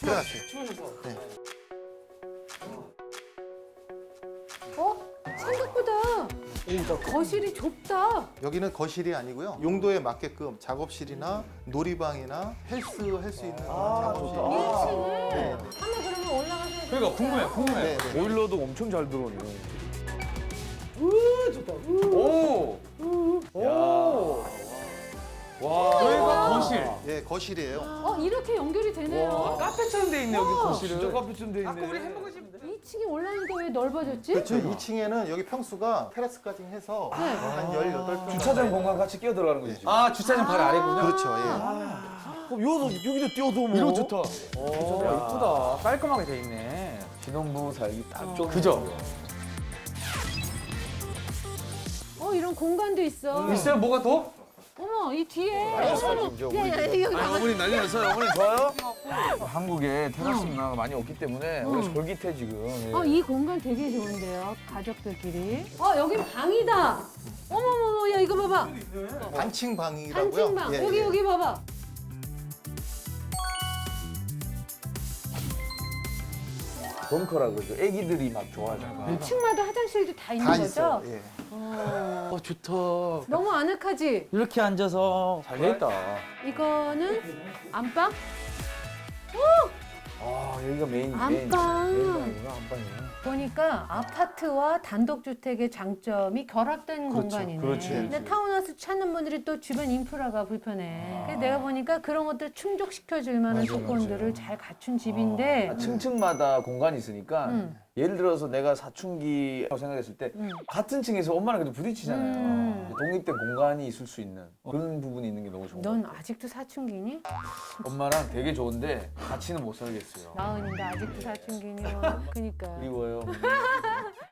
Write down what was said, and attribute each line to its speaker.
Speaker 1: 들어가세요. 네.
Speaker 2: 생각보다 거실이 좁다.
Speaker 1: 여기는 거실이 아니고요. 용도에 맞게끔 작업실이나 놀이방이나 헬스 할 수 있는 작업실.
Speaker 2: 1층에
Speaker 1: 네.
Speaker 2: 한번 그러면 올라가서
Speaker 3: 그러니까 궁금해.
Speaker 1: 네, 네.
Speaker 4: 보일러도 엄청 잘 들어오네.
Speaker 3: 오. 와. 여기가 거실.
Speaker 1: 예, 거실이에요.
Speaker 2: 이렇게 연결이 되네요.
Speaker 3: 카페처럼 돼 있네 여기 거실은.
Speaker 4: 진짜 카페쯤 돼 있네.
Speaker 3: 아까 우리 햄버거 집.
Speaker 2: 2층이 올라오니까 왜 넓어졌지?
Speaker 1: 그렇죠. 2층에는 여기 평수가 테라스까지 해서 한 18평.
Speaker 4: 주차장 공간 같이 끼어 들어가는 거지. 지금.
Speaker 3: 아 주차장 바로 아래군요.
Speaker 1: 그렇죠. 예.
Speaker 4: 그럼 여기도 뛰어도 뭐.
Speaker 3: 이거 좋다. 오, 예쁘다. 깔끔하게 돼 있네.
Speaker 4: 신혼부부 살기 딱 좋은.
Speaker 3: 그죠?
Speaker 2: 이런 공간도 있어.
Speaker 3: 있어요? 뭐가 더?
Speaker 2: 어머, 이 뒤에.
Speaker 4: 지금
Speaker 2: 야야, 여기 봐봐.
Speaker 4: 어머니 난리 났어요. 어머니 좋아요? 한국에 테라스 문화가 많이 없기 때문에 우리 솔깃해 지금. 예.
Speaker 2: 이 공간 되게 좋은데요, 가족들끼리. 여긴 방이다. 어머머머, 야 이거 봐봐.
Speaker 1: 단층 방이라고요.
Speaker 2: 단층방.
Speaker 1: 예,
Speaker 2: 여기
Speaker 1: 예.
Speaker 2: 여기 봐봐.
Speaker 4: 벙커라 그러죠. 애기들이 막 좋아하잖아.
Speaker 2: 2층마다 화장실도 다 있는
Speaker 1: 다
Speaker 2: 거죠?
Speaker 1: 있어요. 예.
Speaker 3: 좋다.
Speaker 2: 너무 아늑하지?
Speaker 3: 이렇게 앉아서 잘 돼 있다.
Speaker 2: 이거는 안방?
Speaker 4: 아 여기가 메인
Speaker 2: 안방.
Speaker 4: 메인 방이구나 안방이야.
Speaker 2: 보니까 아파트와 단독주택의 장점이 결합된 공간이네.
Speaker 4: 그렇지.
Speaker 2: 근데 타운하우스 찾는 분들이 또 주변 인프라가 불편해. 그래서 내가 보니까 그런 것들 충족시켜줄 만한
Speaker 4: 맞아,
Speaker 2: 조건들을 잘 갖춘 집인데
Speaker 4: 층층마다 공간이 있으니까
Speaker 2: 음.
Speaker 4: 예를 들어서 내가 사춘기라고 생각했을 때 같은 층에서 엄마랑 그래도 부딪히잖아요. 독립된 공간이 있을 수 있는 그런 부분이 있는 게 너무 좋은 것
Speaker 2: 넌
Speaker 4: 같아요.
Speaker 2: 아직도 사춘기니?
Speaker 4: 엄마랑 되게 좋은데 같이는 못 살겠어요.
Speaker 2: 나은인데 아직도 사춘기니? 그니까.
Speaker 4: 그리워요.